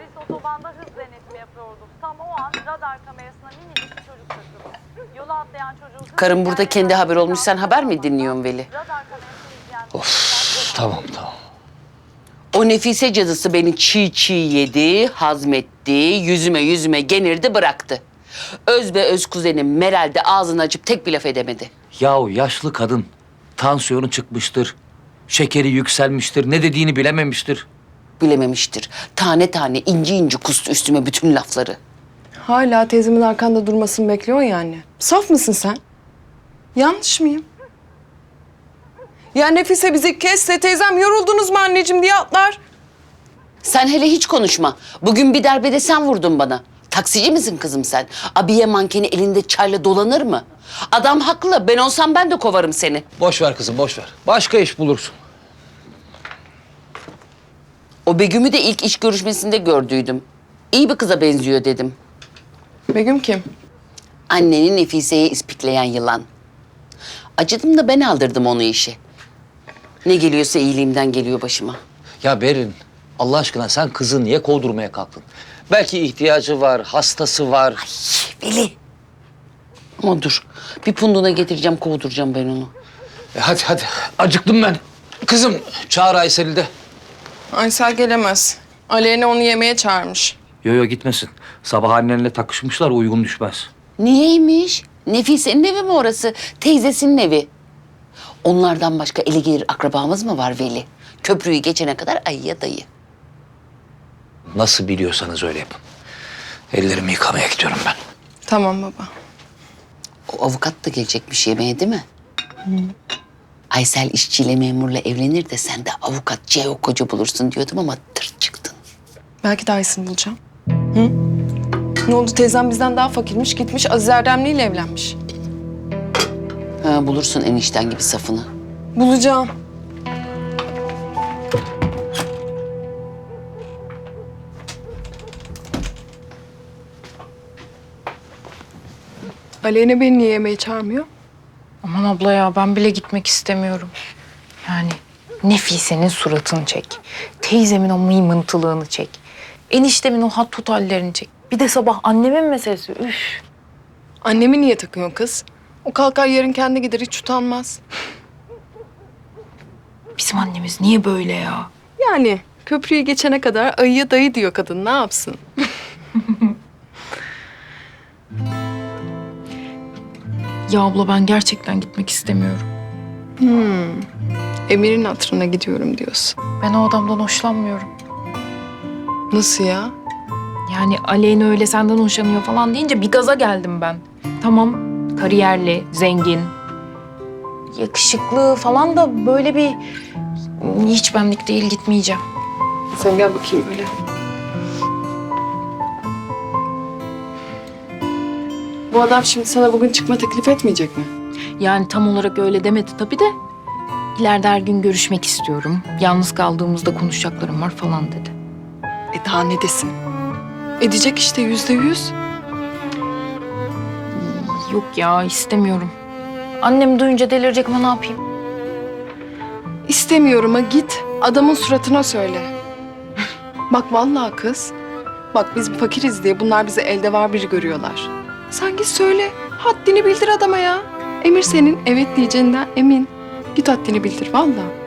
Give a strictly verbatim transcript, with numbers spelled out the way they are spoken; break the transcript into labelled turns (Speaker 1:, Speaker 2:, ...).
Speaker 1: Polis otobanda hız denetimi yapıyorduk. Tam o an radar kamerasına minicik bir çocuk takıldı. Yola atlayan çocuğu...
Speaker 2: Karım burada kendi haber olmuş, sen haber mi dinliyorsun Veli?
Speaker 1: Radar kamerasını izleyen...
Speaker 3: Of, tamam tamam.
Speaker 2: O Nefise cadısı beni çiğ çiğ yedi, hazmetti, yüzüme yüzüme genirdi, bıraktı. Öz be öz kuzenim Meral de ağzını açıp tek bir laf edemedi.
Speaker 3: Yahu yaşlı kadın. Tansiyonu çıkmıştır. Şekeri yükselmiştir. Ne dediğini bilememiştir.
Speaker 2: Bilememiştir. Tane tane inci inci kustu üstüme bütün lafları.
Speaker 4: Hala teyzemin arkanda durmasını bekliyorsun yani. Saf mısın sen? Yanlış mıyım? Ya Nefise bizi kesse teyzem yoruldunuz mu anneciğim diye atlar.
Speaker 2: Sen hele hiç konuşma. Bugün bir darbede sen vurdun bana. Taksici misin kızım sen? Abiye mankeni elinde çayla dolanır mı? Adam haklı. Ben olsam ben de kovarım seni.
Speaker 3: Boş ver kızım, boş ver. Başka iş bulursun.
Speaker 2: O Begüm'ü de ilk iş görüşmesinde gördüydüm. İyi bir kıza benziyor dedim.
Speaker 4: Begüm kim?
Speaker 2: Anneni Nefise'ye ispikleyen yılan. Acıdım da ben aldırdım onu işi. Ne geliyorsa iyiliğimden geliyor başıma.
Speaker 3: Ya Berin, Allah aşkına sen kızı niye kovdurmaya kalktın? Belki ihtiyacı var, hastası var.
Speaker 2: Veli. Ama dur. Bir punduna getireceğim, kovduracağım ben onu.
Speaker 3: E hadi hadi, acıktım ben. Kızım, çağır Aysel'i de.
Speaker 4: Aysel gelemez. Aleyna onu yemeğe çağırmış.
Speaker 3: Yo yo gitmesin. Sabah annenle takışmışlar, uygun düşmez.
Speaker 2: Niyeymiş? Nefise'nin evi mi orası? Teyzesinin evi. Onlardan başka eli gelir akrabamız mı var Veli? Köprüyü geçene kadar ayıya dayı.
Speaker 3: Nasıl biliyorsanız öyle yapın. Ellerimi yıkamaya gidiyorum ben.
Speaker 4: Tamam baba.
Speaker 2: O avukat da gelecekmiş yemeğe değil mi? Hı. Aysel işçiyle memurla evlenir de sen de avukat C O koca bulursun diyordum ama tırt çıktın.
Speaker 4: Belki daha iyisini bulacağım. Hı? Ne oldu teyzem bizden daha fakirmiş gitmiş Aziz Erdemli ile evlenmiş.
Speaker 2: Ha, bulursun enişten gibi safını.
Speaker 4: Bulacağım. Aleyna beni niye yemeğe çağırmıyor?
Speaker 5: Aman abla ya ben bile gitmek istemiyorum. Yani Nefise'nin suratını çek. Teyzemin o mıymıntılığını çek. Eniştemin o hat tut hallerini çek. Bir de sabah annemin meselesi. Üf.
Speaker 4: Annemi niye takıyorsun kız? O kalkar yarın kendi gider hiç utanmaz.
Speaker 5: Bizim annemiz niye böyle ya?
Speaker 4: Yani köprüyü geçene kadar ayıya dayı diyor kadın ne yapsın?
Speaker 5: Ya abla ben gerçekten gitmek istemiyorum.
Speaker 4: Hmm. Emir'in hatırına gidiyorum diyorsun.
Speaker 5: Ben o adamdan hoşlanmıyorum.
Speaker 4: Nasıl ya?
Speaker 5: Yani Aleyna öyle senden hoşlanıyor falan deyince bir gaza geldim ben. Tamam kariyerli, zengin, yakışıklı falan da böyle bir hiç benlik değil gitmeyeceğim.
Speaker 4: Sen gel bakayım öyle. Bu adam şimdi sana bugün çıkma teklif etmeyecek mi?
Speaker 5: Yani tam olarak öyle demedi tabii de. İleride her gün görüşmek istiyorum. Yalnız kaldığımızda konuşacaklarım var falan dedi.
Speaker 4: E daha ne desin? Edecek işte yüzde yüz.
Speaker 5: Yok ya istemiyorum. Annem duyunca delirecek ama ne yapayım?
Speaker 4: İstemiyorum ha git. Adamın suratına söyle. Bak vallahi kız. Bak biz fakiriz diye bunlar bizi elde var biri görüyorlar. Sen git söyle. Haddini bildir adama ya. Emir senin evet diyeceğinden emin. Git haddini bildir vallahi.